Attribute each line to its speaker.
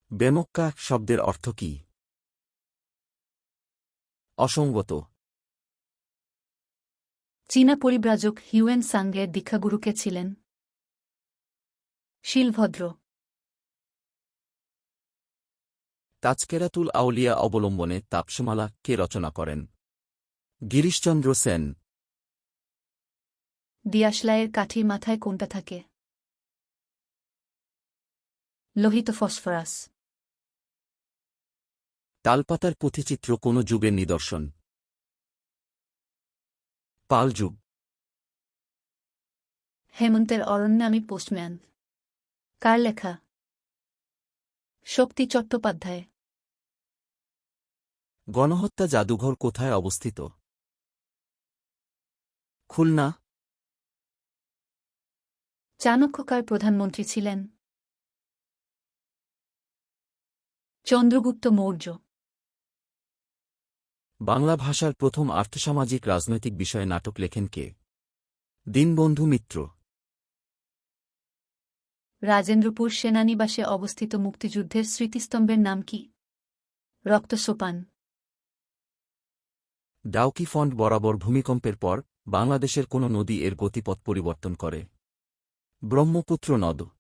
Speaker 1: বেমক্কা শব্দের অর্থ কি? অসঙ্গত।
Speaker 2: চীনা পরিব্রাজক হিউয়েন সাংয়ের দীক্ষাগুরু কে ছিলেন? শিলভদ্র।
Speaker 1: তাজকেরাতুল আউলিয়া অবলম্বনে তাপসমালা কে রচনা করেন? গিরিশচন্দ্র সেন।
Speaker 2: দিয়াশলাইয়ের কাঠির মাথায় কোনটা থাকে? লোহিত ফসফরাস।
Speaker 1: তালপাতার পুঁথিচিত্র কোন যুগের নিদর্শন? পাল যুগ।
Speaker 2: হেমন্তের অরণ্যে আমি পোস্টম্যান কার লেখা? শক্তি চট্টোপাধ্যায়।
Speaker 1: গণহত্যা জাদুঘর কোথায় অবস্থিত? খুলনা।
Speaker 2: চাণক্য কার প্রধানমন্ত্রী ছিলেন? চন্দ্রগুপ্ত মৌর্য।
Speaker 1: বাংলা ভাষার প্রথম আর্থসামাজিক রাজনৈতিক বিষয়ে নাটক লেখেন কে? দীনবন্ধু মিত্র।
Speaker 2: রাজেন্দ্রপুর সেনানিবাসে অবস্থিত মুক্তিযুদ্ধের স্মৃতিস্তম্ভের নাম কি? রক্তসোপান।
Speaker 1: ডাউকি ফন্ট বরাবর ভূমিকম্পের পর বাংলাদেশের কোন নদী এর গতিপথ পরিবর্তন করে? ব্রহ্মপুত্র নদ।